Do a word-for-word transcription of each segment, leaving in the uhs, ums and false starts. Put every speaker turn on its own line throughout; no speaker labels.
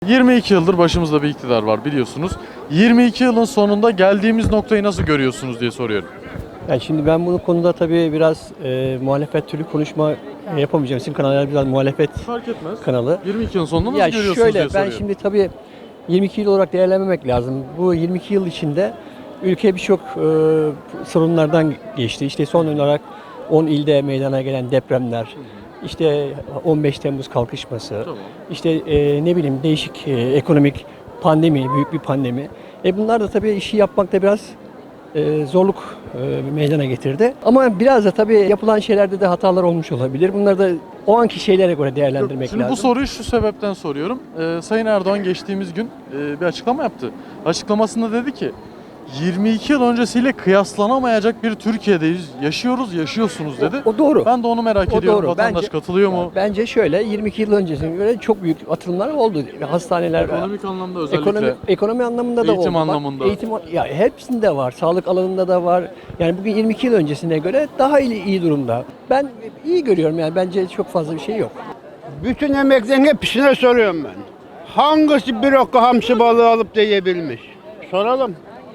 yirmi iki yıldır başımızda bir iktidar var biliyorsunuz. yirmi iki yılın sonunda geldiğimiz noktayı nasıl görüyorsunuz diye soruyorum.
Yani şimdi ben bu konuda tabii biraz e, muhalefet türlü konuşma e, yapamayacağım. Sizin kanallar biraz muhalefet
Fark etmez.
kanalı.
yirmi iki yılın sonunda nasıl
Ya
görüyorsunuz
şöyle,
diye
ben
soruyorum.
şimdi tabii yirmi iki yıl olarak değerlenmemek lazım. Bu yirmi iki yıl içinde ülke birçok e, sorunlardan geçti. İşte son olarak on ilde meydana gelen depremler, işte on beş Temmuz kalkışması,
Tamam.
işte e, ne bileyim değişik e, ekonomik pandemi, büyük bir pandemi. E bunlar da tabii işi yapmakta biraz e, zorluk e, meydana getirdi. Ama biraz da tabii yapılan şeylerde de hatalar olmuş olabilir. Bunları da o anki şeylere göre değerlendirmek
Şimdi
lazım.
bu soruyu şu sebepten soruyorum. Ee, Sayın Erdoğan geçtiğimiz gün e, bir açıklama yaptı. Açıklamasında dedi ki yirmi iki yıl öncesiyle kıyaslanamayacak bir Türkiye'deyiz. Yaşıyoruz, yaşıyorsunuz dedi.
O, o doğru.
Ben de onu merak
O
ediyorum.
doğru.
Vatandaş
Bence-
katılıyor mu?
Bence şöyle, yirmi iki yıl öncesine göre çok büyük atılımlar oldu. Hastaneler,
Ekonomik anlamda özellikle.
ekonomi, ekonomi anlamında da
Eğitim
oldu. Bak,
anlamında.
eğitim ya hepsinde var. Sağlık alanında da var. Yani bugün yirmi iki yıl öncesine göre daha iyi, iyi durumda. Ben iyi görüyorum yani, bence çok fazla bir şey yok.
Bütün emeklerin hepsine soruyorum ben. Hangisi bir okka hamsi balığı alıp da yiyebilmiş? Soralım.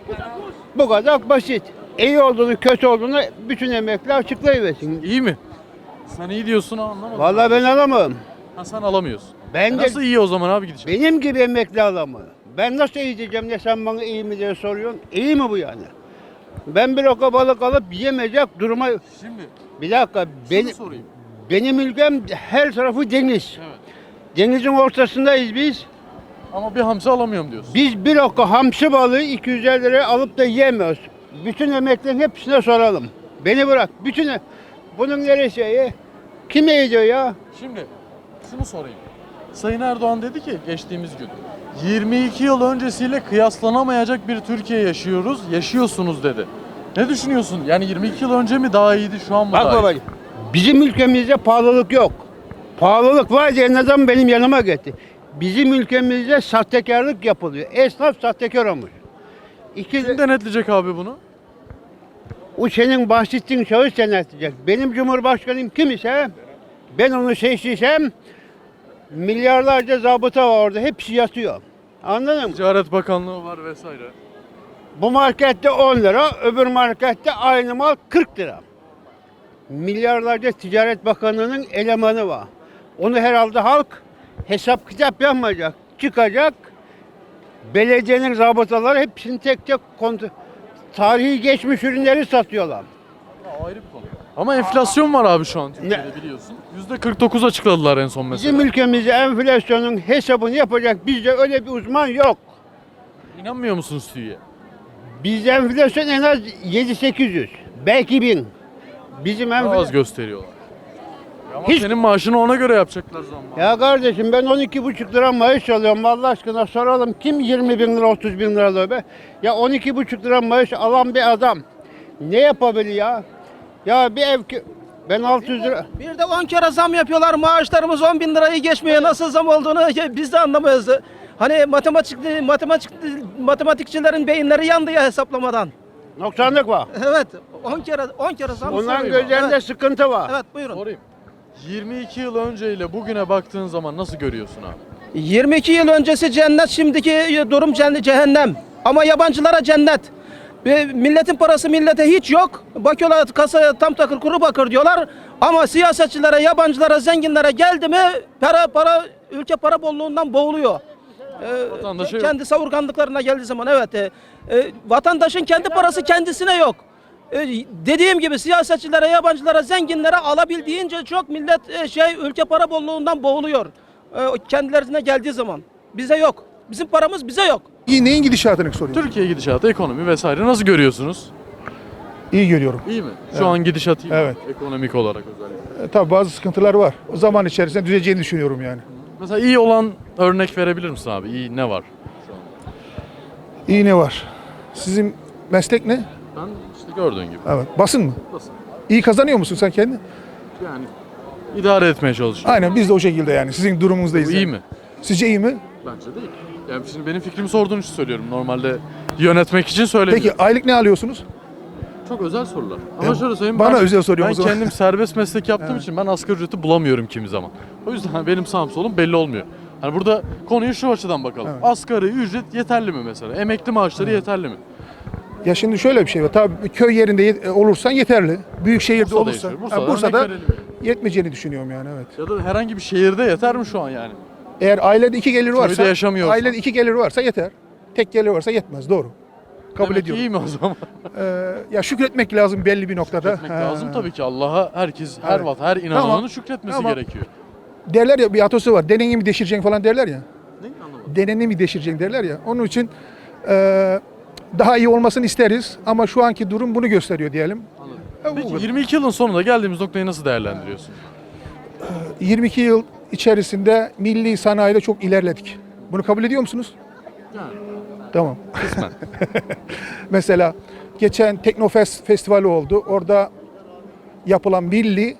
Bu kadar basit. İyi olduğunu, kötü olduğunu bütün emekli açıklayıversin.
İyi mi? Sen iyi diyorsun ama anlamadım.
Vallahi ben alamam.
Ha, sen alamıyorsun.
Ben
E
de
nasıl iyi o zaman abi gidecek?
benim gibi emekli alamam. Ben nasıl iyi diyeceğim de sen bana iyi mi diye soruyorsun. İyi mi bu yani? Ben bir okka balık alıp yemeyecek duruma...
Şimdi
Bir dakika,
şunu
benim,
sorayım.
benim ülkem her tarafı deniz.
Evet.
Denizin ortasındayız biz.
Ama bir hamsi alamıyorum diyorsun.
Biz bir okka hamsi balığı iki yüz elli liraya alıp da yiyemiyoruz. Bütün emeklerin hepsine soralım. Beni bırak. Bütün bunun neresi iyi? Kim yiyecek ya?
Şimdi şunu sorayım. Sayın Erdoğan dedi ki geçtiğimiz gün yirmi iki yıl öncesiyle kıyaslanamayacak bir Türkiye yaşıyoruz, yaşıyorsunuz dedi. Ne düşünüyorsun? Yani yirmi iki yıl önce mi daha iyiydi, şu an mı
Bak
daha iyi?
babacığım. Bizim ülkemizde pahalılık yok. Pahalılık var diye ne zaman benim yanıma gitti. Bizim ülkemizde sahtekarlık yapılıyor. Esnaf sahtekar olmuş. İki,
Kim denetleyecek abi bunu?
o senin bahsettiğin şahıs denetleyecek. Benim Cumhurbaşkanım kim ise ben onu seçtiysem milyarlarca zabıta var orada. Hepsi yatıyor. Anladın mı?
Ticaret Bakanlığı var vesaire.
Bu markette on lira, öbür markette aynı mal kırk lira. Milyarlarca Ticaret Bakanlığı'nın elemanı var. Onu herhalde halk hesap kitap yapmayacak. Çıkacak, belediyenin zabıtaları hepsini tek tek kontrol... Tarihi geçmiş ürünleri satıyorlar.
Ha, ayrı bir konu. Ama enflasyon var abi şu an Türkiye'de biliyorsun. yüzde kırk dokuz açıkladılar en son mesela.
Bizim ülkemizde enflasyonun hesabını yapacak bizde öyle bir uzman yok.
İnanmıyor musunuz TÜİ'ye?
Bizde enflasyon en az yedi sekiz yüz, belki bin. Bizim
Daha az
enflasyon...
gösteriyorlar. Ama
Hiç-
senin maaşını ona göre yapacaklar zammı.
Ya kardeşim ben on iki buçuk lira maaş alıyorum, Allah aşkına soralım kim yirmi bin lira otuz bin lira alıyor be? Ya on iki buçuk lira maaş alan bir adam ne yapabilir ya? Ya bir ev ki ben altı yüz lira...
Bir de on kere zam yapıyorlar. Maaşlarımız on bin lirayı geçmiyor. Nasıl zam olduğunu biz de anlamıyoruz. Hani matematik, matematik, matematikçilerin beyinleri yandı ya hesaplamadan.
Noksanlık var.
Evet. on kere on kere zam.
Onların
soruyor.
gözlerinde
Evet.
sıkıntı var.
Evet, buyurun.
Sorayım. yirmi iki yıl önceyle bugüne baktığın zaman nasıl görüyorsun abi?
yirmi iki yıl öncesi cennet, şimdiki durum cennet, cehennem. Ama yabancılara cennet. Ve milletin parası millete hiç yok. Bakıyorlar kasaya tam takır kuru bakır diyorlar. Ama siyasetçilere, yabancılara, zenginlere geldi mi para para ülke para bolluğundan boğuluyor. Ee,
Vatandaşa yok.
kendi savurganlıklarına geldiği zaman evet. E, e, vatandaşın kendi parası kendisine yok. E, dediğim gibi siyasetçilere, yabancılara, zenginlere alabildiğince çok millet e, şey ülke para bolluğundan boğuluyor. E, kendilerine geldiği zaman bize yok. Bizim paramız bize yok.
İyi, neyin gidişatını soruyorum.
Türkiye gidişatı, ekonomi vesaire nasıl görüyorsunuz?
İyi görüyorum.
İyi mi? Şu
Evet.
an gidişat iyi mi?
Evet.
Ekonomik olarak özellikle.
E, tabii bazı sıkıntılar var. O zaman içerisinde düzeleceğini düşünüyorum yani.
Mesela iyi olan örnek verebilir misin abi? İyi ne var şu an?
İyi ne var? Sizin meslek ne?
Ben işte gördüğün gibi.
Evet. Basın mı?
Nasıl?
İyi kazanıyor musun sen kendin?
Yani idare etmeye çalışıyorum.
Aynen biz de o şekilde yani. Sizin durumunuzdayız.
Bu iyi
yani.
mi?
Sizce iyi mi?
Bence değil. Yani şimdi benim fikrimi sorduğun için söylüyorum. Normalde yönetmek için söylemiyorum.
Peki aylık ne alıyorsunuz?
Çok özel sorular. Ama
E,
şöyle söyleyeyim.
bana
ben,
özel soruyorum
Ben
o zaman.
kendim serbest meslek yaptığım için ben asgari ücreti bulamıyorum kimi zaman. O yüzden benim sağım solum belli olmuyor. Hani burada konuyu şu açıdan bakalım.
Evet.
Asgari ücret yeterli mi mesela? Emekli maaşları yeterli mi?
Ya şimdi şöyle bir şey var. Tabii köy yerinde yet- olursan yeterli. Büyük şehirde
Bursa'da
olursa,
yaşıyor.
Bursa'da,
Bursa'da
Bursa'da
örnek verelim
yetmeyeceğini düşünüyorum yani, evet.
Ya da herhangi bir şehirde yeter mi şu an yani?
Eğer ailede iki gelir varsa,
Köyde yaşamıyorsan.
ailede iki gelir varsa yeter. Tek gelir varsa yetmez, doğru. Kabul
Demek ki
ediyorum.
iyi mi o zaman?
Ee, ya şükretmek lazım belli bir noktada.
Şükretmek
Ha.
lazım tabii ki. Allah'a herkes, her
Evet.
vat, her inananın
Tamam.
şükretmesi
Tamam.
gerekiyor.
Derler ya, bir atası var. Deneni mi deşireceksin falan derler ya.
Ne anlamadım.
Deneni mi deşireceksin derler ya. Onun için e, daha iyi olmasını isteriz ama şu anki durum bunu gösteriyor diyelim.
Anladım.
Ya bu
Peki
kadar.
yirmi iki yılın sonunda geldiğimiz noktayı nasıl değerlendiriyorsun?
yirmi iki yıl içerisinde milli sanayide çok ilerledik. Bunu kabul ediyor musunuz?
Yani
Tamam.
kısmen.
Mesela geçen Teknofest festivali oldu. Orada yapılan milli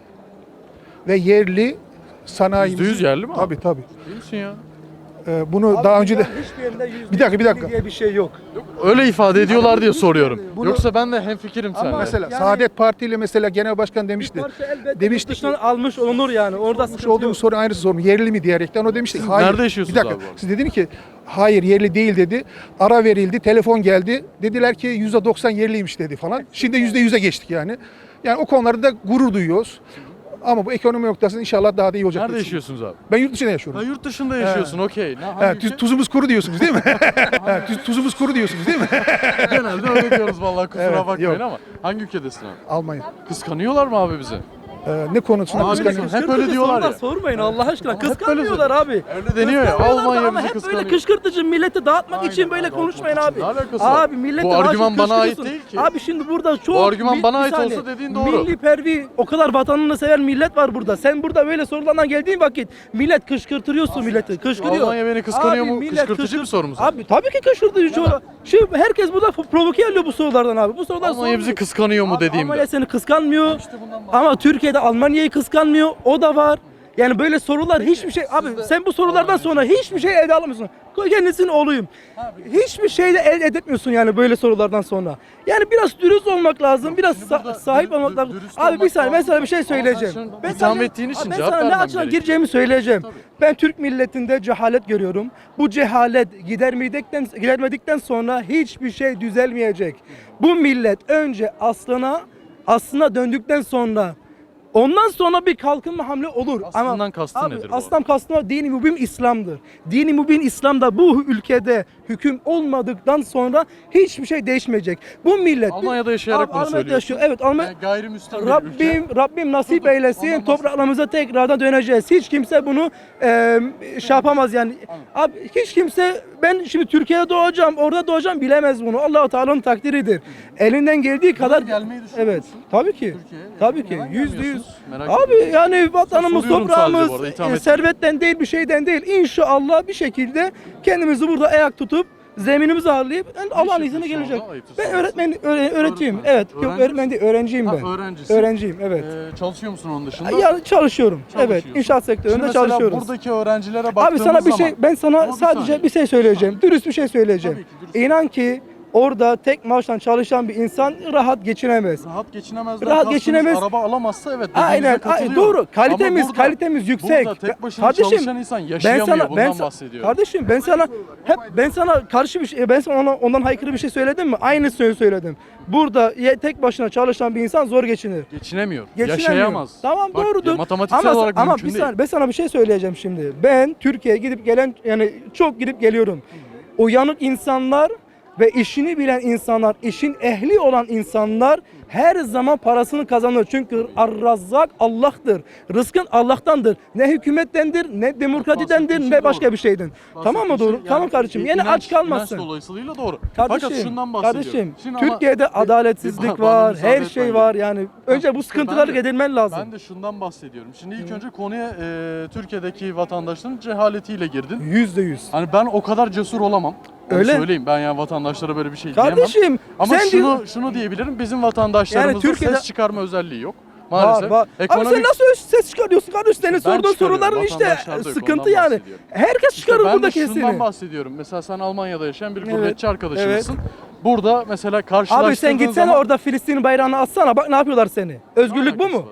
ve yerli sanayi.
Yüzde yüz yerli mi abi?
Tabii tabii.
Değil misin ya?
Ee, bunu daha önce de
hiçbir yerinde yüzde
Bir dakika, bir dakika.
diye bir şey yok.
Öyle ifade ediyorlar diye soruyorum.
Bunu-
Yoksa ben de hemfikirim seninle.
mesela
Yani-
Saadet Parti ile mesela genel başkan demişti. Demişti ki,
dışından almış olunur yani. Orada
almış
sıkıntı
olduğum
yok.
soru aynısı sorum. Yerli mi diyerekten o demişti.
Siz
hayır.
nerede yaşıyorsunuz
Bir dakika.
abi bu arada?
Siz dediniz ki hayır yerli değil dedi. Ara verildi, telefon geldi. Dediler ki yüzde doksan yerliymiş dedi falan. Şimdi yüzde yüze geçtik yani. Yani o konularda gurur duyuyoruz. Ama bu ekonomi noktasında inşallah daha da iyi olacak.
Nerede
diye
yaşıyorsunuz abi?
düşünüyorum. Ben yurt dışında
Ha,
yaşıyorum.
yurt dışında yaşıyorsun, okey. Ne- hangi
Ha,
ülke?
tuz- tuzumuz kuru diyorsunuz değil mi? Ha, tuz- tuzumuz kuru diyorsunuz değil mi?
Genelde öyle diyoruz vallahi, kusura
Evet,
bakmayın
yok.
ama. Hangi ülkedesin abi?
Almanya.
Kıskanıyorlar mı abi bizi?
Ee, ne konusunda
Abi,
kıskanıyorsunuz?
hep öyle diyorlar
sorular
ya.
sormayın Allah aşkına.
Ama hep böyle
Kıskanmıyorlar abi.
Öyle deniyor ya,
Kıskanmıyorlar da
Almanya
ama
bizi
hep
kıskanıyor.
böyle kışkırtıcı milleti dağıtmak
Aynen,
için böyle
dağıtmak
konuşmayın
için.
abi.
Ne alakası var?
Abi milleti
Bu
daha çok
argüman bana ait
kışkırtıyorsun.
değil ki.
Abi şimdi burada çok
Bu argüman
bir-
bana
bir
ait
saniye.
olsa dediğin doğru.
Milli pervi o kadar vatanını seven millet var burada. Sen burada böyle sorulardan geldiğin vakit millet kışkırtıyorsun milleti. Kışkırıyor.
Almanya beni kıskanıyor mu?
millet
Kışkırtıcı bir soru mu sen?
Abi tabii ki kışkırtıcı. Şimdi herkes burada provoke ediyor bu sorulardan abi. Bu sorular
Almanya bizi
sormuyor.
kıskanıyor mu
Abi
dediğimde.
Almanya seni kıskanmıyor. Ama Türkiye'de Almanya'yı kıskanmıyor. O da var. Yani böyle sorular hiçbir şey abi sen bu sorulardan sonra hiçbir şey elde alamıyorsun. Kendisinin oğluyum. Hiçbir şey de elde edemiyorsun yani böyle sorulardan sonra. Yani biraz dürüst olmak lazım. Biraz
Şimdi
sa-
burada
sahip
dürü-
olmak lazım.
dürüst
Abi bir
olmak
saniye ben
lazım.
sana bir şey
Ama sen
söyleyeceğim.
şimdi
Ben
itham
sana-
ettiğin için
Abi ben
cevap
sana ne
vermem
açıdan
gerekiyor.
gireceğimi söyleyeceğim.
Tabii.
Ben Türk milletinde cehalet görüyorum. Bu cehalet gidermedikten gidermedikten sonra hiçbir şey düzelmeyecek. Bu millet önce aslına aslına döndükten sonra ondan sonra bir kalkınma hamle olur.
Aslından
Ama
kastın
abi,
nedir bu
Aslan kastı dini mübin İslam'dır. Dini mübin İslam'da bu ülkede hüküm olmadıktan sonra hiçbir şey değişmeyecek. Bu millet
Almanya'da yaşayarak
Abi,
bunu
Almanya'da
söylüyorsun.
yaşıyor. Evet Almanya
Yani gayrimüslim bir ülke.
Rabbim Rabbim nasip
Dur, dur.
eylesin.
Ondan
Topraklarımıza tekrardan döneceğiz. Hiç kimse bunu e, şey yapamaz yani. Abi hiç kimse ben şimdi Türkiye'de doğacağım, orada doğacağım bilemez bunu. Allah-u Teala'nın takdiridir. Elinden geldiği kadar
gelmeyi düşünüyor
Evet.
musun?
Tabii ki.
Türkiye'ye?
Tabii ki.
Neden
Yüzde yüz.
gelmiyorsunuz? Merak
Abi
ediyorum.
yani vatanımız,
Soruyorum sadece bu arada,
toprağımız,
itham
e,
etmiyorum.
servetten değil bir şeyden değil. İnşallah bir şekilde kendimizi burada ayak tutup zeminimizi ağırlayıp yani Allah'ın
iş
izniyle
yapıyorsun
gelecek.
orada? Ayıptır
Ben
sorması.
öğretmen öğre- öğretiyim.
Öğretmen.
Evet. Yok
Öğrenci
öğretmen değil, öğrenciyim
Ha,
ben.
öğrencisin.
Öğrenciyim evet.
Ee, çalışıyor musun onun dışında?
Ya çalışıyorum. Evet,
Çalışıyorsun.
inşaat
Şimdi
sektöründe
mesela
çalışıyoruz.
buradaki öğrencilere
Abi
baktığımız
sana bir
zaman...
şey ben sana
Ama bir
sadece
saniye.
bir şey söyleyeceğim. Dürüst bir şey söyleyeceğim.
Tabii ki, dürüst.
İnan ki orada tek maaştan çalışan bir insan rahat geçinemez.
Rahat geçinemezler.
Rahat
kastımız
geçinemez.
Araba alamazsa evet dediğinize
Aynen, ay,
katılıyorum.
doğru. Kalitemiz,
Ama burada-
kalitemiz yüksek.
Burada tek başına
Kardeşim,
çalışan insan yaşayamıyor. Bundan
sa-
bahsediyorum.
Kardeşim ben sana hep ben sana karşı bir şey ben sana ona, ondan haykırı bir şey söyledim mi? Aynı söz söyledim. Burada ye- tek başına çalışan bir insan zor geçinir.
Geçinemiyor.
Geçinemiyor.
Yaşayamaz.
Tamam
Bak,
doğrudur.
matematiksel
ama,
olarak
ama
mümkün
bir
değil.
saniye, ben sana bir şey söyleyeceğim şimdi. Ben Türkiye'ye gidip gelen yani çok gidip geliyorum. Uyanık insanlar ve işini bilen insanlar, işin ehli olan insanlar her zaman parasını kazanır. Çünkü Ar-Razzak Allah'tır. Rızkın Allah'tandır. Ne hükümettendir, ne demokratidendir,
bahsettiğin
ne
şey
başka
doğru.
bir şeyden. Tamam mı
Bahsettiğin
doğru?
şey
Tamam
yani
kardeşim. Yani
inanç-
aç kalmazsın.
İnanç dolayısıyla doğru.
Kardeşim,
Fakat şundan bahsediyorum.
kardeşim
Şimdi ama-
Türkiye'de
Bir-
adaletsizlik
bana
var,
müsaade
her
et
şey
ben
var
de.
yani. Önce bu
İşte
sıkıntıları
ben de-
gidermen lazım.
Ben de şundan bahsediyorum. Şimdi ilk önce konuya e, Türkiye'deki vatandaşların cehaletiyle girdin.
Yüzde yüz.
Hani ben o kadar cesur olamam. Onu
Öyle.
söyleyeyim. Ben yani vatandaşlara böyle bir şey diyemem.
Kardeşim
Ama
sen
şunu
diyor-
şunu diyebilirim. Bizim vatandaşlarımızda
Yani Türkiye'de-
ses çıkarma özelliği yok. Maalesef.
Var, var.
Ekonomik...
Abi sen nasıl ses çıkarıyorsun kardeş? Senin sorduğun
çıkarıyorum,
soruların işte
vatandaşlar da yok,
sıkıntı
ondan
yani.
bahsediyorum.
Herkes
İşte
çıkarır
ben
burada
de şundan
kesini.
bahsediyorum. Mesela sen Almanya'da yaşayan bir
Evet,
gurbetçi arkadaşımızsın. Burada mesela
Abi
karşılaştırdığın
sen gitsene
zaman...
orada Filistin bayrağını atsana bak ne yapıyorlar seni. Özgürlük bu
Alakası
mu?
var hocam.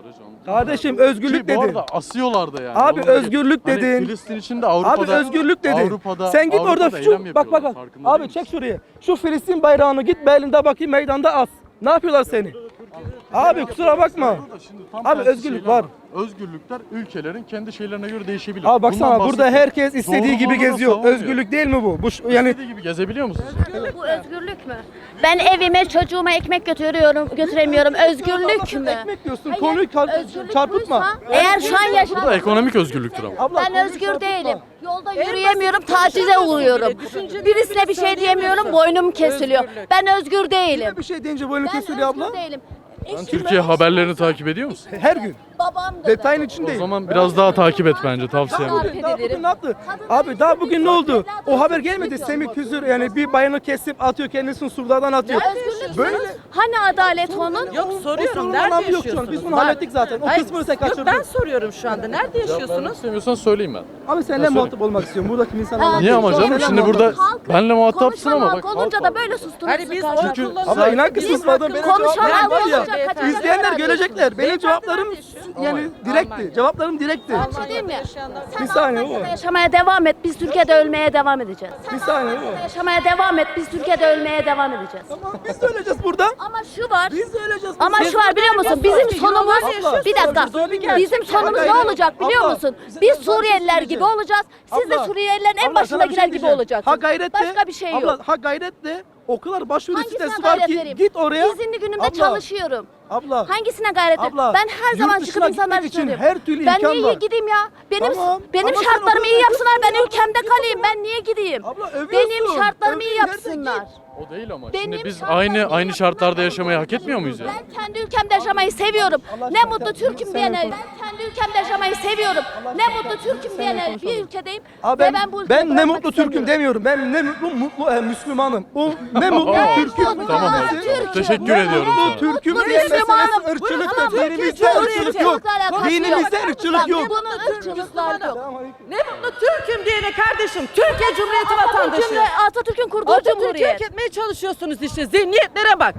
Kardeşim özgürlük
Ki bu
dedin.
arada asıyorlar da yani.
Abi
Onu da geç.
özgürlük
Hani
dedin.
Filistin için de Avrupa'da.
Abi özgürlük dedin.
Avrupa'da,
Sen git
Avrupa'da
orada
eylem
şu bak bak
yapıyorlar,
bak.
farkında
Abi
değil
çek
misin?
şuraya. Şu Filistin bayrağını git Berlin'de bakayım meydanda as. Ne yapıyorlar seni? Abi kusura bakma.
Burada şimdi tam
Abi
tersi
özgürlük
şeyler
var.
Özgürlükler ülkelerin kendi şeylerine göre değişebilir.
Abi baksana
Bundan
burada
bahsettim.
herkes istediği gibi
Doğruluğunu
geziyor.
savunuyor.
Özgürlük değil mi bu? Bu şu- yani
İstediği gibi gezebiliyor musunuz?
Bu özgürlük mü? Ben evime çocuğuma ekmek götürüyorum, götüremiyorum. Özgürlük mü?
ekmek diyorsun.
Hayır,
Konuyu kar-
özgürlük
çarpıtma.
buysa, eğer şu an
Bu da
yaşam
ekonomik özgürlüktür ama.
Abla,
ben
konuyu
özgür
çarpıtma.
değilim. Yolda yürüyemiyorum, tacize uğruyorum. Birisine bir şey diyemiyorum, boynum kesiliyor. Ben özgür değilim.
Bir şey deyince boynu
Ben
kesiliyor abla.
özgür değilim. Eşim
Türkiye
öyle
haberlerini takip ediyor musun?
Her gün.
babam da.
Detayın
O
içindeyim.
zaman biraz daha takip et bence tavsiyem.
Daha-
Bugün, daha bugün ne yaptı? Abi daha bugün ne oldu? O haber gelmedi. Semih Küzür yani bir bayanı kesip atıyor kendisini surlardan atıyor.
Özgürlük
Böyle
Hani adalet onun?
Yok
o
soruyorum
sorunun
nerede
anlamı yok şu an.
yaşıyorsunuz?
Biz bunu
Var.
hallettik zaten. O
Hayır,
kısmını sen
Yok
kaçırdın.
ben soruyorum şu anda. Nerede yaşıyorsunuz?
İstemiyorsan söyleyeyim ben.
Abi seninle muhatap olmak istiyorum. Buradaki insanlarla.
Niye ama canım?
Seninle
Şimdi
muhatap-
burada
Halk
benle muhatapsın ama
konuşan
bak.
halk olunca
halk
da
var.
böyle sustunuz.
Hani biz
kardeşim.
oy
Çünkü
kullanıyoruz.
Abla inan ki
Bizim
susmadım. Benim
konuşan
cevaplarım
halk
var ya.
olunca kaçacak
İzleyenler
yer
görecekler. Benim
Beyefendi
cevaplarım
nerede yaşıyor?
yani direkti.
Almanya.
Cevaplarım direkti.
Bir şey diyeyim mi?
Bir
Sen
saniye
Almanya'da
baba.
yaşamaya devam et. Biz Türkiye'de ölmeye devam edeceğiz.
Bir saniye baba.
Yaşamaya devam et. Biz Türkiye'de ölmeye devam edeceğiz.
Tamam biz de öleceğiz burada.
Ama şu var.
Biz de öleceğiz.
Ama
burada.
şu var biliyor musun? Bizim sonumuz
Abla,
bir dakika.
zor bir gerçek.
Bizim sonumuz
Abla,
ne olacak biliyor
abla,
musun?
bize-
Biz
ben sana bir şey
Suriyeliler gibi
söyleyeceğim.
olacağız. Siz de
Abla,
Suriyelilerin en
abla,
başına
sana bir
girer
şey
gibi
diyeceğim.
olacaksınız.
Ha gayret de.
Başka bir şey yok.
Abla ha gayret de. O kadar başvuru
Hangisine
sitesi var
gayret
ki
vereyim?
git oraya.
İzinli günümde
Abla,
çalışıyorum.
Abla.
Hangisine gayret edeyim?
Abla,
Ben her
yurt
zaman
dışına
çıkıp insanlara
gitmek için
söylüyorum.
her türlü
Ben
imkan
niye
var.
gideyim ya? Benim
Tamam,
benim
ama sen
şartlarımı
o
iyi
kadar
yapsınlar. Ben
kızsın ya,
ülkemde
git o
kalayım.
zaman.
Ben niye gideyim?
Abla, övüyorsun.
Benim şartlarımı iyi
Övdüğün yerde
yapsınlar.
O değil ama.
Benim
Şimdi biz
şartlarım
aynı
iyi
aynı
yapsınlar.
şartlarda yaşamayı hak etmiyor muyuz ya?
Ben kendi ülkemde yaşamayı seviyorum.
Allah
Ne
aşkına
mutlu
sen-
Türk'üm
sen
diyene.
konuş.
Ben kendi ülkemde yaşamayı seviyorum. Ne mutlu Türk'üm diyene bir ülkedeyim.
Abi
Ve
ben,
ben bu ülkeyi
ben ne
bırakmak
mutlu Türk'üm
istemiyorum.
demiyorum. Ben ne mutlu mutlu e, Müslümanım. O ne mutlu
Ben
Türk'üm.
mutlu
Tamam abi.
Türk'üm.
Teşekkür
Ne
ediyorum
mutlu
sana.
Türk'üm
Mutlu
diye meselesi
Müslümanım.
ırkçılık
Tamam,
da dinimizde ırkçılık yok. Dinimizde ırkçılık yok.
Bunun ırkçılıklar yok.
Ne mutlu Türk'üm diyene kardeşim. Türkiye Cumhuriyeti vatandaşı.
Atatürk'ün Atatürk'ün kurduğu
Atatürk'ü
cumhuriyet.
hak etmeye çalışıyorsunuz işte. Zihniyetlere bak.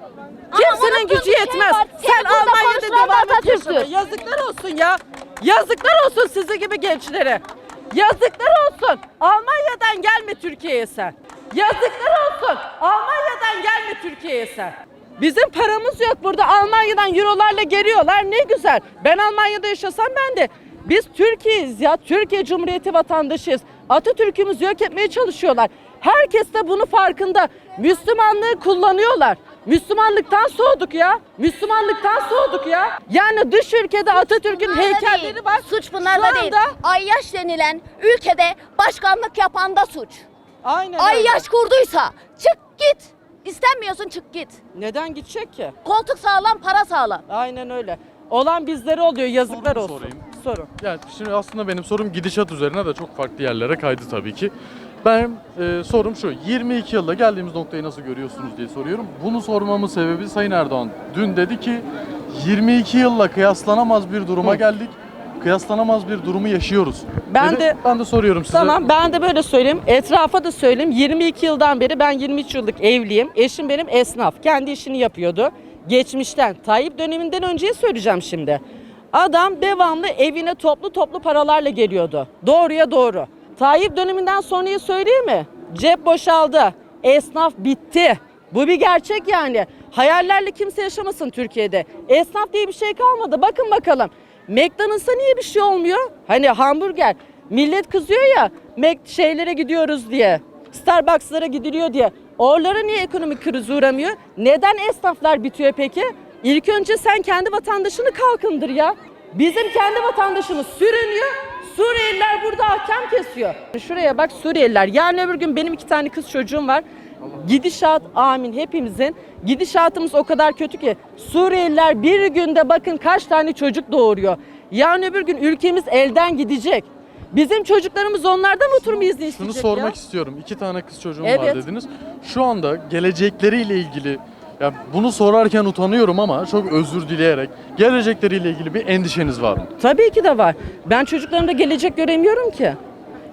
Ama
Kimsenin
unuttuğun
gücü
bir şey
yetmez.
var.
Sen
Seni burada
Almanya'da
konuşturan da
devam et
Atatürk'tür.
yaşamaya. Yazıklar olsun ya. Yazıklar olsun sizi gibi gençlere. Yazıklar olsun. Almanya'dan gelme Türkiye'ye sen. Yazıklar olsun. Almanya'dan gelme Türkiye'ye sen. Bizim paramız yok burada. Almanya'dan eurolarla geliyorlar. Ne güzel. Ben Almanya'da yaşasam ben de. Biz Türkiye'yiz ya. Türkiye Cumhuriyeti vatandaşıyız. Atatürk'ümüzü yok etmeye çalışıyorlar. Herkes de bunu farkında. Müslümanlığı kullanıyorlar. Müslümanlıktan soğuduk ya. Müslümanlıktan soğuduk ya. Yani dış ülkede Atatürk'ün
Bunlarda
heykelleri
değil.
var.
Suç bunlarda
Şu
değil.
anda-
Ayyaş denilen ülkede başkanlık yapan da suç.
Aynen öyle.
Ayyaş kurduysa çık git. İstenmiyorsun çık git.
Neden gidecek ki?
Koltuk sağlam, para sağlam.
Aynen öyle. Olan bizlere oluyor. Yazıklar
Sorumu
olsun.
sorayım.
Sorun.
Yani şimdi aslında benim sorum gidişat üzerine de çok farklı yerlere kaydı tabii ki. Ben e, sorum şu, yirmi iki yılda geldiğimiz noktayı nasıl görüyorsunuz diye soruyorum. Bunu sormamın sebebi Sayın Erdoğan dün dedi ki yirmi iki yılla kıyaslanamaz bir duruma geldik. Kıyaslanamaz bir durumu yaşıyoruz.
Ben
Dedi.
de-
ben de soruyorum size.
Tamam ben de böyle söyleyeyim. Etrafa da söyleyeyim. yirmi iki yıldan beri ben yirmi üç yıllık evliyim. Eşim benim esnaf. Kendi işini yapıyordu. Geçmişten, Tayyip döneminden önceye söyleyeceğim şimdi. Adam devamlı evine toplu toplu paralarla geliyordu. Doğruya doğru. Tayyip döneminden sonrayı söyleyeyim mi? Cep boşaldı. Esnaf bitti. Bu bir gerçek yani. Hayallerle kimse yaşamasın Türkiye'de. Esnaf diye bir şey kalmadı. Bakın bakalım. McDonald's'a niye bir şey olmuyor? Hani hamburger. Millet kızıyor ya Mac şeylere gidiyoruz diye. Starbucks'lara gidiliyor diye. Oralara niye ekonomik kriz uğramıyor? Neden esnaflar bitiyor peki? İlk önce sen kendi vatandaşını kalkındır ya. Bizim kendi vatandaşımız sürünüyor. Suriyeliler burada ahkam kesiyor. Şuraya bak Suriyeliler. Yarın öbür gün benim iki tane kız çocuğum var. Gidişat amin hepimizin. Gidişatımız o kadar kötü ki Suriyeliler bir günde bakın kaç tane çocuk doğuruyor. Yarın öbür gün ülkemiz elden gidecek. Bizim çocuklarımız onlardan oturma izni
Şunu
isteyecek
sormak
ya.
istiyorum. İki tane kız çocuğum var
Evet.
dediniz. Şu anda gelecekleriyle ilgili, ya bunu sorarken utanıyorum ama çok özür dileyerek, gelecekleriyle ilgili bir endişeniz var mı?
Tabii ki de var. Ben çocuklarımda gelecek göremiyorum ki.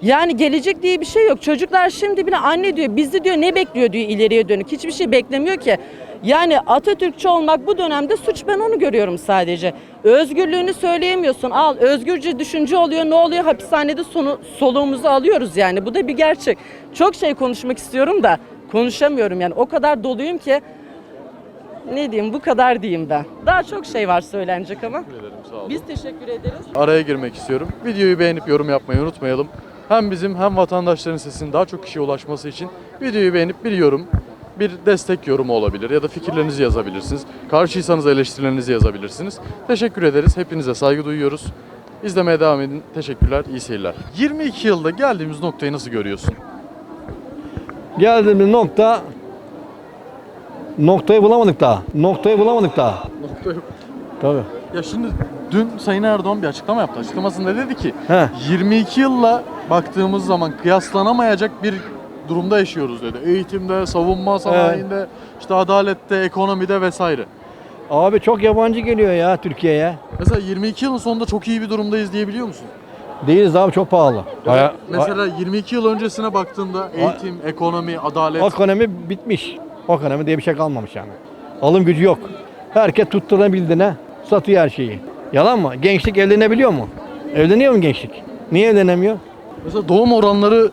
Yani gelecek diye bir şey yok. Çocuklar şimdi bile anne diyor, bizi diyor ne bekliyor diyor ileriye dönük. Hiçbir şey beklemiyor ki. Yani Atatürkçü olmak bu dönemde suç, ben onu görüyorum sadece. Özgürlüğünü söyleyemiyorsun. Al, özgürce düşünce oluyor. Ne oluyor? Hapishanede sonu, soluğumuzu alıyoruz yani. Bu da bir gerçek. Çok şey konuşmak istiyorum da konuşamıyorum yani. O kadar doluyum ki ne diyeyim, bu kadar diyeyim ben. Daha çok şey var söylenecek ama.
Teşekkür ederim, sağ olun.
Biz teşekkür ederiz.
Araya girmek istiyorum. Videoyu beğenip yorum yapmayı unutmayalım. Hem bizim hem vatandaşların sesinin daha çok kişiye ulaşması için videoyu beğenip bir yorum, bir destek yorumu olabilir ya da fikirlerinizi yazabilirsiniz. Karşıysanız eleştirilerinizi yazabilirsiniz. Teşekkür ederiz. Hepinize saygı duyuyoruz. İzlemeye devam edin. Teşekkürler. İyi seyirler. yirmi iki yılda geldiğimiz noktayı nasıl görüyorsun?
Geldiğimiz nokta noktayı bulamadık daha. Noktayı bulamadık daha.
Nokta yok.
Tabii.
Ya şimdi dün Sayın Erdoğan bir açıklama yaptı. Açıklamasında dedi ki
He.
yirmi iki yılla baktığımız zaman kıyaslanamayacak bir durumda yaşıyoruz dedi. Eğitimde, savunma sanayinde, işte adalette, ekonomide vesaire.
Abi çok yabancı geliyor ya Türkiye'ye.
Mesela yirmi iki yılın sonunda çok iyi bir durumdayız diyebiliyor musun?
Değiliz abi, çok pahalı. Baya-
Mesela yirmi iki yıl öncesine baktığında eğitim, ekonomi, adalet.
Ekonomi bitmiş. Ekonomi diye bir şey kalmamış yani. Alım gücü yok. Herkes tutturabildiğine satıyor her şeyi. Yalan mı? Gençlik evlenebiliyor mu? Evleniyor mu gençlik? Niye evlenemiyor?
Mesela doğum oranları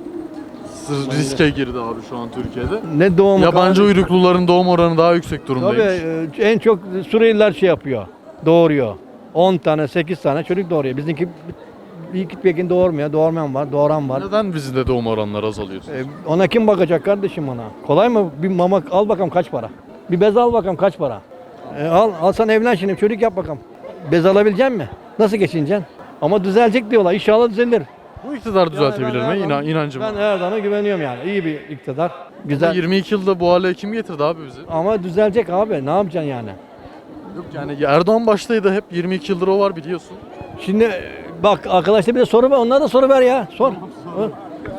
riske girdi abi şu an Türkiye'de.
Ne doğum
Yabancı uyrukluların doğum oranı daha yüksek durumdaymış.
Tabii e, en çok Suriyeliler şey yapıyor. Doğuruyor. on tane, sekiz tane çocuk doğuruyor. Bizimki bir iki pekin doğurmuyor. Doğurmayan var, doğuran var.
Neden bizde doğum oranları azalıyor?
E, ona kim bakacak kardeşim ona? Kolay mı? Bir mama al bakalım kaç para? Bir bez al bakalım kaç para? E, al, alsan evlen şimdi çocuk yap bakalım. Bez alabilecek mi? Nasıl geçineceksin? Ama düzelecek diyorlar. İnşallah düzelir.
Bu iktidar düzeltebilir
Yani ben
mi? İnan,
Erdoğan-
inancım
Ben
var.
Erdoğan'a güveniyorum yani. İyi bir iktidar. Güzel.
yirmi iki yılda bu hale kim getirdi abi bizi?
Ama düzelecek abi. Ne yapacaksın yani?
Yok yani Erdoğan baştaydı, hep yirmi iki yıldır o var biliyorsun.
Şimdi e, bak arkadaşlar bir de soru ver. Onlara da soru ver ya. Sor. Sor.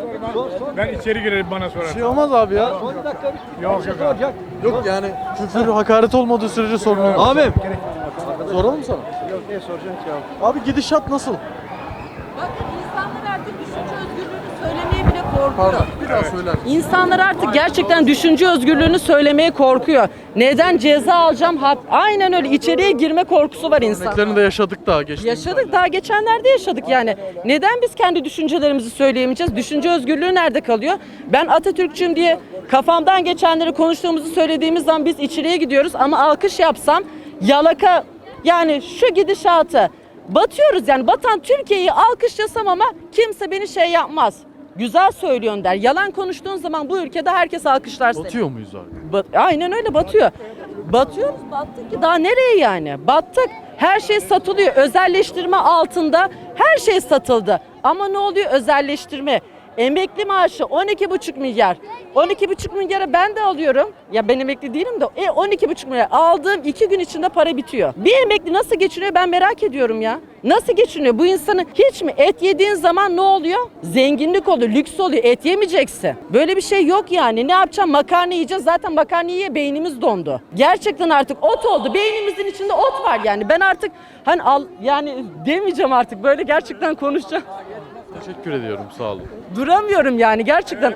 Ben içeri girerim bana
Bir
sorar.
şey olmaz abi ya.
Sor bir dakika.
Yok yok abi.
Yok yani küfür, hakaret olmadığı sürece sorun olmaz.
Abim.
Soralım sana. Yok ne soracaksın ki abi? Abi gidişat nasıl?
Bakın insanlar artık düşünce özgürlüğünü söylemeye bile korkuyor.
Pardon bir daha söyler misin?
İnsanlar artık gerçekten düşünce özgürlüğünü söylemeye korkuyor. Neden ceza alacağım? Hap- Aynen öyle, içeriye girme korkusu var insan.
Örneklerini de yaşadık daha geçtiğimiz
Yaşadık, daha geçenlerde yaşadık yani. Neden biz kendi düşüncelerimizi söyleyemeyeceğiz? Düşünce özgürlüğü nerede kalıyor? Ben Atatürkçüyüm diye kafamdan geçenleri konuştuğumuzu söylediğimiz zaman biz içeriye gidiyoruz ama alkış yapsam yalaka, yani şu gidişatı batıyoruz yani, batan Türkiye'yi alkışlasam ama kimse beni şey yapmaz. Güzel söylüyorsun der. Yalan konuştuğun zaman bu ülkede herkes alkışlar seni.
Batıyor muyuz abi?
Bat- Aynen öyle, batıyor. Batıyoruz, battık ki daha nereye yani? Battık. Her şey satılıyor. Özelleştirme altında her şey satıldı. Ama ne oluyor? Özelleştirme. Emekli maaşı on iki buçuk milyar. on iki buçuk milyara ben de alıyorum. Ya ben emekli değilim de e, on iki buçuk milyar aldığım iki gün içinde para bitiyor. Bir emekli nasıl geçiniyor ben merak ediyorum ya. Nasıl geçiniyor? Bu insanın hiç mi et yediğin zaman ne oluyor? Zenginlik oluyor, lüks oluyor. Et yemeyeceksin. Böyle bir şey yok yani. Ne yapacağım? Makarna yiyeceğiz. Zaten makarna yiye beynimiz dondu. Gerçekten artık ot oldu. Beynimizin içinde ot var yani. Ben artık hani al yani demeyeceğim artık. Böyle gerçekten konuşacağım.
Teşekkür ediyorum sağ olun.
Duramıyorum yani gerçekten.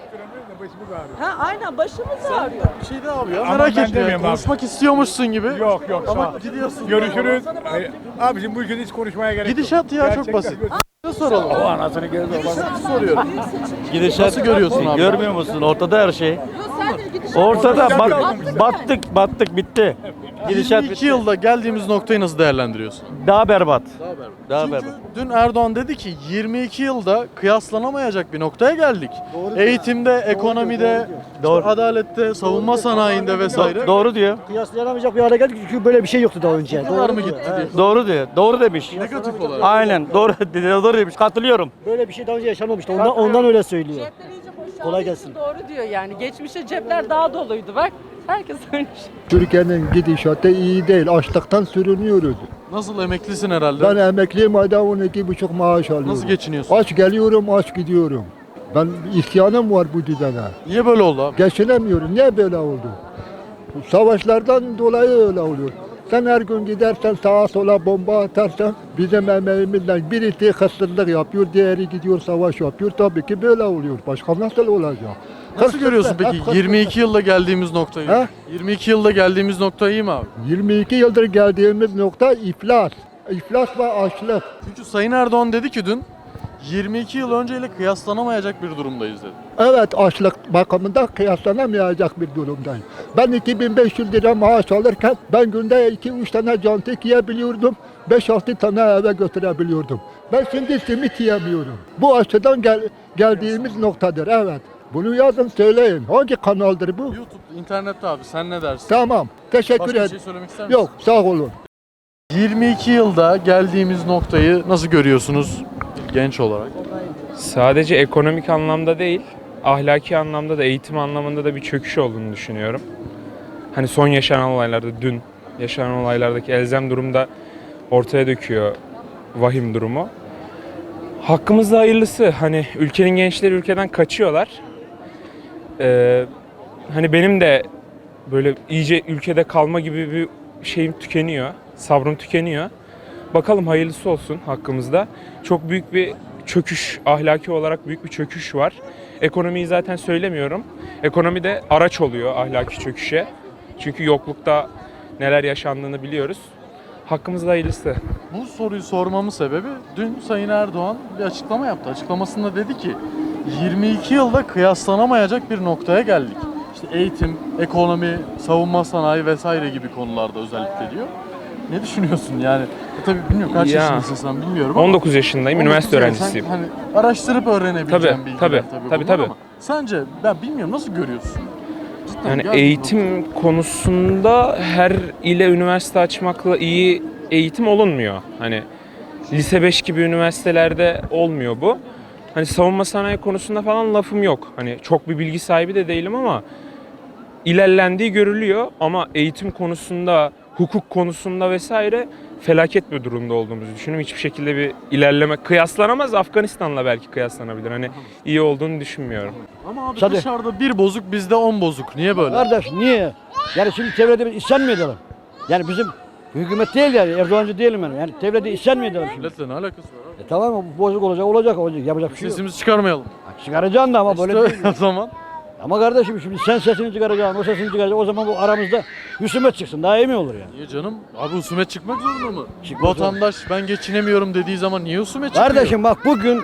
Ha aynen, başımız ağrıyor.
Bir şey de abi ya
Ama
merak
ben
etme. ya.
demiyorum abi.
Konuşmak istiyormuşsun gibi.
Yok yok sağ
Ama
ol.
gidiyorsun.
Görüşürüz. Ay, Abicim bu ülkede hiç konuşmaya gerek yok.
Gidişat ya çok
Gerçekten.
basit. Ne soralım?
O anasını gözü
Gidişatı soruyorum.
Gidişat
Nasıl görüyorsun abi?
Görmüyor musun? Ortada her şey. Ortada bak, battık battık bitti. Gidişat
yirmi iki
bitti.
yılda geldiğimiz noktayı nasıl değerlendiriyorsun?
Daha berbat. Daha
Çünkü
berbat.
dün Erdoğan dedi ki yirmi iki yılda kıyaslanamayacak bir noktaya geldik. Eğitimde, ekonomide, işte
Doğru.
adalette, savunma sanayinde vesaire.
Doğru diyor.
Kıyaslayamayacak bir hale geldik çünkü böyle bir şey yoktu daha önce.
Ne kadar mı gitti diye.
Doğru diyor. Doğru demiş.
Negatif olarak.
Aynen. Doğru doğru demiş. Katılıyorum.
Böyle bir şey daha önce yaşanmamıştı. Ondan, ondan öyle söylüyor.
Cepler iyice boşaldığı
Kolay
için
gelsin.
Doğru diyor yani. Geçmişte cepler daha doluydu bak. Herkes ölmüş.
Türkiye'nin gidişatı iyi değil. Açlıktan sürünüyoruz.
Nasıl emeklisin herhalde?
Ben emekliyim, ayda on iki buçuk maaş alıyorum.
Nasıl geçiniyorsun?
Aç geliyorum, aç gidiyorum. Ben isyanım var bu düzene.
Niye böyle oldu abi?
Geçinemiyorum. Niye böyle oldu? Bu savaşlardan dolayı öyle oluyor. Sen her gün gidersen sağa sola bomba atarsan bizim emeğimizden birisi hırsızlık yapıyor, diğeri gidiyor savaş yapıyor. Tabii ki böyle oluyor. Başka nasıl olacak?
Nasıl
Hırsızlık,
görüyorsun
hep
peki
hırsızlık.
yirmi iki yılda geldiğimiz noktayı?
Ha?
yirmi iki yılda geldiğimiz nokta iyi mi abi?
yirmi iki yıldır geldiğimiz nokta iflas. İflas ve açlık.
Çünkü Sayın Erdoğan dedi ki dün yirmi iki yıl önceyle kıyaslanamayacak bir durumdayız dedi.
Evet, açlık bakımından kıyaslanamayacak bir durumdayım. Ben iki bin beş yüz lira maaş alırken ben günde iki üç tane cantik yiyebiliyordum. beş altı tane eve götürebiliyordum. Ben şimdi simit yiyemiyorum. Bu açıdan gel, geldiğimiz noktadır, evet. Bunu yazın, söyleyin. Hangi kanaldır bu?
YouTube, internette abi sen ne dersin?
Tamam, teşekkür
Başka bir
ederim.
şey söylemek ister misin?
Yok, sağ olun.
yirmi iki yılda geldiğimiz noktayı nasıl görüyorsunuz genç olarak?
Sadece ekonomik anlamda değil, ahlaki anlamda da, eğitim anlamında da bir çöküş olduğunu düşünüyorum. Hani son yaşanan olaylarda, dün yaşanan olaylardaki elzem durumda ortaya döküyor vahim durumu. Hakkımızda hayırlısı. Hani ülkenin gençleri ülkeden kaçıyorlar. Ee, hani benim de böyle iyice ülkede kalma gibi bir şeyim tükeniyor, sabrım tükeniyor. Bakalım hayırlısı olsun hakkımızda. Çok büyük bir çöküş, ahlaki olarak büyük bir çöküş var. Ekonomiyi zaten söylemiyorum. Ekonomi de araç oluyor ahlaki çöküşe. Çünkü yoklukta neler yaşandığını biliyoruz. Hakkımızda hayırlısı.
Bu soruyu sormamın sebebi dün Sayın Erdoğan bir açıklama yaptı. Açıklamasında dedi ki yirmi iki yılda kıyaslanamayacak bir noktaya geldik. İşte eğitim, ekonomi, savunma sanayi vesaire gibi konularda özellikle diyor. Ne düşünüyorsun yani? E tabii bilmiyorum kaç
Ya,
yaşındasın sen bilmiyorum ama.
on dokuz yaşındayım,
on dokuz
üniversite
yani
öğrencisiyim.
sen hani araştırıp öğrenebileceğin
Tabii,
bilgiler
tabii,
tabii,
tabii,
bunlar
tabii.
ama sence ben bilmiyorum nasıl görüyorsun? Cidden
Yani
geldik
eğitim
noktaya.
konusunda her ile üniversite açmakla iyi eğitim olunmuyor. Hani lise beş gibi üniversitelerde olmuyor bu. Hani savunma sanayi konusunda falan lafım yok. Hani çok bir bilgi sahibi de değilim ama ilerlendiği görülüyor ama eğitim konusunda, hukuk konusunda vesaire felaket bir durumda olduğumuzu düşünüyorum. Hiçbir şekilde bir ilerleme kıyaslanamaz. Afganistan'la belki kıyaslanabilir. Hani iyi olduğunu düşünmüyorum.
Ama abi
Tabii.
dışarıda bir bozuk bizde on bozuk. Niye böyle?
Kardeş niye? Yani şimdi devlete biz isyan mı edelim? Yani bizim hükümet değil yani, Erdoğancı değilim ben. Yani devlete isyan mı edelim şimdi?
Milletle ne alakası var abi?
E tamam mı? Bozuk olacak, olacak, olacak. Yapacak bir şey yok.
Sesimizi çıkarmayalım.
Çıkaracaksın da ama böyle
İşte
değil.
o zaman.
Ama kardeşim şimdi sen sesini çıkaracaksın, o sesini çıkaracak. O zaman bu aramızda husumet çıksın. Daha iyi mi olur yani?
Niye canım? Abi husumet çıkmak zorunda mı?
Çıkmak
Vatandaş ben geçinemiyorum dediği zaman niye husumet çıkıyor?
Kardeşim bak bugün,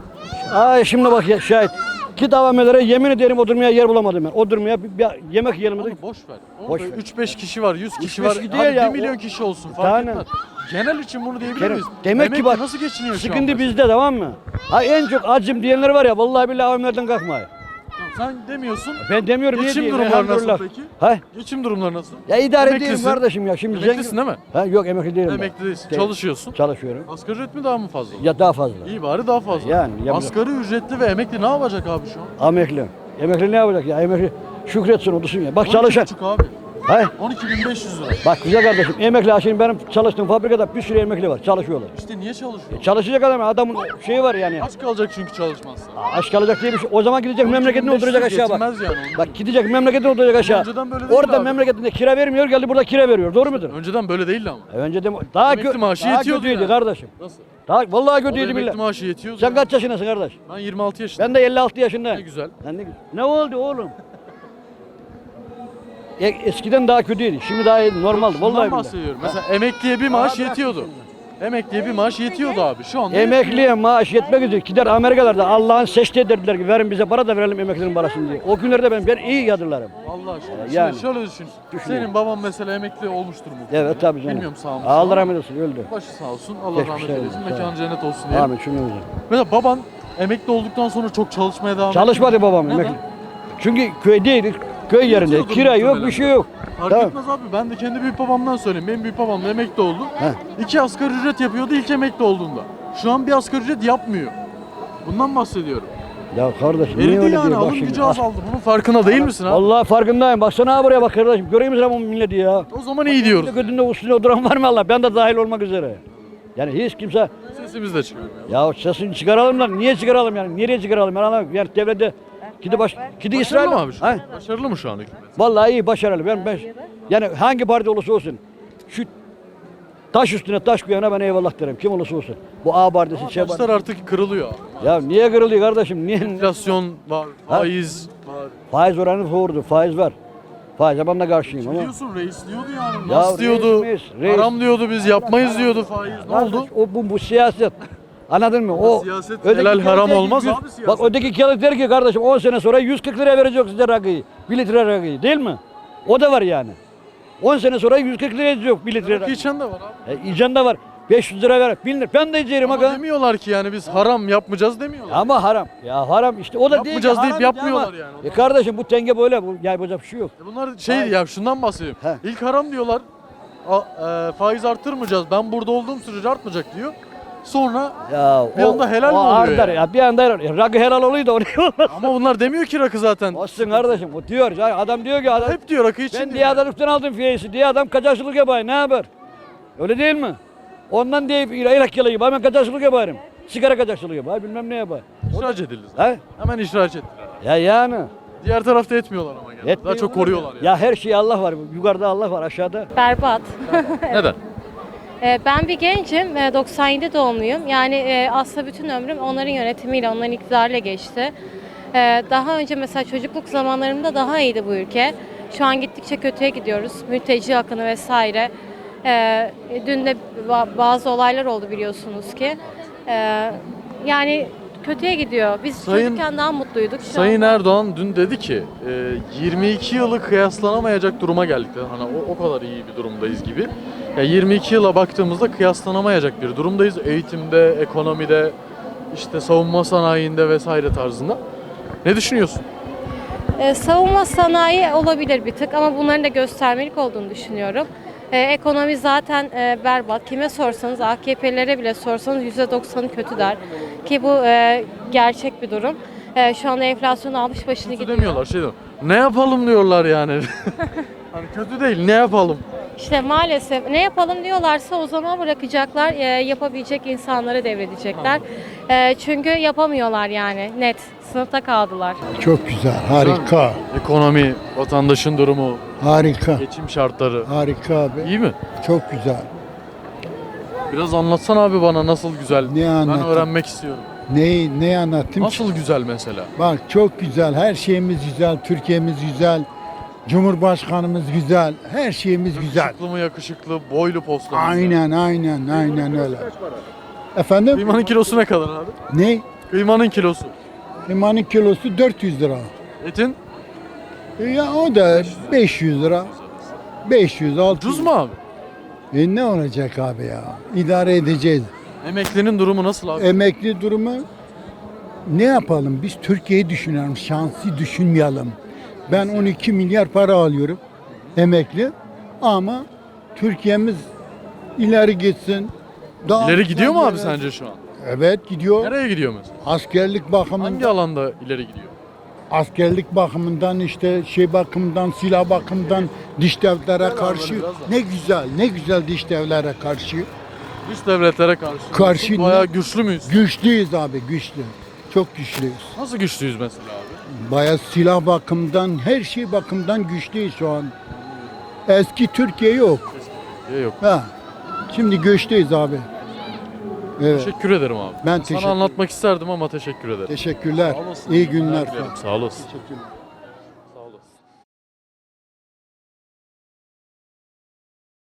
aa şimdi bak ya, şahit. Git A V M'lere yemin ederim oturmaya yer bulamadım ben. Oturmaya bir, bir yemek yiyelim
Oğlum
dedik.
boş ver.
Boş
Orada
ver.
üç beş kişi var, yüz kişi
beş
var.
kişi
Hadi
değil ya,
bir milyon
o-
kişi olsun fark
Tane.
etmez. Genel için bunu diyebilir
Genel-
miyiz?
Demek ki
Emekli
bak,
nasıl geçiniyor şu
Sıkıntı
anda?
bizde, tamam mı? Ha en çok acım diyenler var ya, vallahi billahi A V M'lerden kalkmayın.
Sen demiyorsun.
Ben demiyorum, niye
Geçim
diyeyim?
durumları nasıl
Elhamdülillah.
peki?
Ha?
Geçim durumları nasıl?
Ya idare edeyim
Emeklisin.
kardeşim ya. Şimdi
Emeklisin değil mi?
Ha yok, emekli değilim ben.
Emekli değilsin.
Değil.
Çalışıyorsun.
Çalışıyorum.
Asgari ücret mi daha mı fazla?
Ya daha fazla.
İyi bari daha fazla.
Yani yapacak-
Asgari ücretli ve emekli ne yapacak abi şu an?
Emekli. Emekli ne yapacak ya? Emekli şükretsin, otursun ya. Bak çalışan.
on iki buçuk abi.
Ha?
on iki bin beş yüz lira.
Bak güzel kardeşim, emekli ha, şimdi benim çalıştığım fabrikada bir sürü emekli var, çalışıyorlar.
İşte niye çalışıyor?
Çalışacak adam, adamın şeyi var yani.
Aç kalacak çünkü çalışmazsa.
Aç kalacak diye bir şey. O zaman gidecek memleketine
on iki bin beş yüz
oturacak aşağı bak.
yetmez yani onun.
Bak gidecek memleketine oturacak aşağı.
Önceden böyle değildi
Orada
abi.
memleketinde kira vermiyor, geldi burada kira veriyor. Doğru mudur?
Önceden böyle değildi ama.
E önce de daha,
Emekli
kö
maaşı
daha
yetiyordu
kötüydü
yani.
kardeşim.
Nasıl?
Daha, vallahi
O da
kötüydü
emekli
millet.
maaşı yetiyordu.
Sen
ya.
kaç yaşındasın kardeş?
Ben yirmi altı yaşındayım.
Ben de elli altı yaşındayım.
Ne güzel.
Sen ne, ne oldu oğlum? E, eskiden daha kötüydü. Şimdi daha iyi, normaldi.
Şundan
Vallahi billahi.
bahsediyorum. Mesela emekliye bir maaş yetiyordu. Emekliye bir maaş yetiyordu abi. Şu anda
Emekliye maaş yetmek üzere gider Amerikalarda Allah'ın seçtiği dediler ki verin bize para da verelim emeklinin parasını diye. O günlerde ben, ben iyi yadırlarım.
Allah aşkına.
Yani.
Yani. Şöyle düşün.
Düşünüyorum.
Senin baban mesela emekli olmuştur mu?
Evet tabii canım.
Bilmiyorum sağ mı?
Allah rahmet eylesin, öldü.
Başı sağ olsun. Allah
Geçmiş
rahmet
olsun,
eylesin.
sağ ol.
Mekanı cennet olsun diye.
Amin cümlemize.
Mesela baban emekli olduktan sonra çok çalışmaya devam etti.
Çalışmadı babam
Neden?
emekli. Çünkü köydeydik. Köy yerinde.
Yetiyordur
Kira yok,
muhtemelen.
bir şey yok.
Fark
Tamam.
etmez abi. Ben de kendi büyük babamdan söyleyeyim. Benim büyük babam da emekli oldu.
He.
İki asgari ücret yapıyordu ilk emekli olduğunda. Şu an bir asgari ücret yapmıyor. Bundan bahsediyorum.
Ya kardeşim niye
Eridi
öyle
yani
diyor? Bak
alım
şimdi.
gücü azaldı. Bunun farkında değil misin abi?
Vallahi farkındayım. Baksana ha buraya bak kardeşim. Görüyor musun bu milleti ya?
O zaman iyi diyoruz.
Götünde üstüne oturan var mı Allah? Ben de dahil olmak üzere. Yani hiç kimse
Sesimiz de çıkıyor.
ya sesini çıkaralım lan. Niye çıkaralım yani? Nereye çıkaralım? Ben anlamıyorum. Yani devlette gidi baş gidi İsrail.
Başarılı mı abi şu
Ha?
an? Başarılı mı şu an hükümet?
Vallahi iyi, başarılı. Ben, ben yani hangi parti olursa olsun.
Şu taş üstüne taş koyana ben eyvallah derim. Kim olursa olsun. Bu A partisi, Ç
Taşlar
partisi.
artık kırılıyor abi.
Ya niye kırılıyor kardeşim? Niye?
Enflasyon var,
Ha?
faiz var.
Faiz oranı doğrudur. Faiz var. Faize ben de karşıyım ama.
Biliyorsun reis diyordu yani.
Ya
Nas diyordu.
reis, reis.
Haram diyordu, biz yapmayız diyordu faiz. Ne
Kardeş,
oldu?
O bu, bu siyaset. Anladın mı? O
siyaset
öteki
helal
kağıt
haram
der ki
olmaz
yüz-
abi siyaset.
Bak öteki kağıt der ki kardeşim on sene sonra yüz kırk liraya verecek size rakıyı. bir litre rakıyı değil mi? O da var yani. on sene sonra yüz kırk liraya verecek bir litre
Rakı
rakı.
içen de var abi.
E, içen de var. beş yüz lira ver. bin lira. Ben de içerim
Ama
aga.
demiyorlar ki yani biz haram yapmayacağız demiyorlar.
Ama haram. Ya haram işte. O da değil ki
Yapmayacağız deyip
haram
yapmıyorlar
ama-
yani.
E kardeşim bu tenge böyle. Bu, yapacak bir şey yok.
E Bunlar şey
Hayır.
ya şundan bahsedeyim.
He.
İlk haram diyorlar. A, e, faiz arttırmayacağız. Ben burada olduğum sürece artmayacak diyor. Sonra
Ya
Bir anda helal mi
o
oluyor
artar
yani?
ya? Bir anda helal. Ya, rakı helal oluyor da o ne olmaz.
ama bunlar demiyor ki rakı zaten.
Olsun kardeşim. O diyor. Ya adam diyor ki adam,
Hep diyor rakı için
ben
diyor.
diye adamlıktan aldım fiyesi diye adam kaçakçılık yapar. Ne yapar? Öyle değil mi? Ondan diye Irak yalı yapar. Hemen kaçakçılık yaparım. Sigara kaçakçılığı yapar. Bilmem ne yapar.
İhraç edildi zaten.
He?
Hemen ihraç ettiler.
Ya yani.
Diğer tarafta etmiyorlar ama genelde. Daha
Etmiyor
çok
mu?
koruyorlar yani.
Ya her şey Allah var. Yukarıda Allah var. Aşağıda.
Berbat.
Neden?
Ee, Ben bir gencim, ee, doksan yedi doğumluyum. Yani e, aslında bütün ömrüm onların yönetimiyle, onların iktidarıyla geçti. Ee, Daha önce mesela çocukluk zamanlarımda daha iyiydi bu ülke. Şu an gittikçe kötüye gidiyoruz. Mülteci akını vesaire. Ee, Dün de ba- bazı olaylar oldu biliyorsunuz ki. Ee, Yani kötüye gidiyor. Biz
Sayın-
çocukken daha mutluyduk. Şu
Sayın
anda-
Erdoğan dün dedi ki e, yirmi iki yılı kıyaslanamayacak duruma geldik dedi. Hani o, o kadar iyi bir durumdayız gibi. Ya yirmi iki yıla baktığımızda kıyaslanamayacak bir durumdayız. Eğitimde, ekonomide, işte savunma sanayinde vesaire tarzında. Ne düşünüyorsun?
Ee, savunma sanayi olabilir bir tık ama bunların da göstermelik olduğunu düşünüyorum. Ee, ekonomi zaten e, berbat. Kime sorsanız, A K P'lilere bile sorsanız yüzde doksanı kötü der. Ki bu e, gerçek bir durum. E, şu anda enflasyon almış başını
Kötü
gidiyor.
demiyorlar şey diyor. Ne yapalım diyorlar yani. Hani kötü değil, ne yapalım?
İşte maalesef ne yapalım diyorlarsa o zaman bırakacaklar, e, yapabilecek insanlara devredecekler. E, çünkü yapamıyorlar yani net. Sınıfta kaldılar.
Çok güzel, harika,
Ekonomi, vatandaşın durumu,
harika,
geçim şartları.
harika abi.
İyi mi?
Çok güzel.
Biraz anlatsana abi bana nasıl güzel.
Ne
Ben
anlatayım?
öğrenmek istiyorum.
Neyi, ne anlattım?
Nasıl güzel mesela?
Bak çok güzel, her şeyimiz güzel, Türkiye'miz güzel, Cumhurbaşkanımız güzel, her şeyimiz güzel.
Yakışıklı mı yakışıklı, boylu postlu.
Aynen, aynen, aynen öyle. Efendim?
Kıymanın kilosu ne kadar abi?
Ne?
Kıymanın kilosu.
Limanın kilosu dört yüz lira.
Etin
E ya o da beş yüz lira. beş yüz, altı yüz.
ucuz mu abi?
E ne olacak abi ya? İdare edeceğiz.
Emeklinin durumu nasıl abi?
Emekli durumu ne yapalım? Biz Türkiye'yi düşünelim, şansı düşünmeyelim. Ben on iki milyar para alıyorum emekli ama Türkiye'miz ileri gitsin. Daha
İleri gidiyor mu abi
Evet.
sence şu an?
Evet gidiyor.
Nereye gidiyor mesela?
Askerlik bakımından,
Hangi alanda ileri gidiyor?
askerlik bakımından işte şey bakımından, silah bakımından dış devlere karşı
biraz da.
ne güzel, ne güzel dış devlere karşı.
Dış devletlere karşı.
Karşı
Bayağı
ne?
güçlü müyüz?
Güçlüyüz abi, güçlü. Çok güçlüyüz.
Nasıl güçlüyüz mesela abi?
Bayağı silah bakımından, her şey bakımdan güçlüyüz şu an. Eski Türkiye yok.
Ya yok.
Ha. Şimdi güçlüyüz abi. Evet.
Teşekkür ederim abi.
Ben
Sana
teşekkür
anlatmak isterdim ama teşekkür ederim.
Teşekkürler.
Sağ olasın.
İyi günler.
Sağ olasın.
Teşekkürler.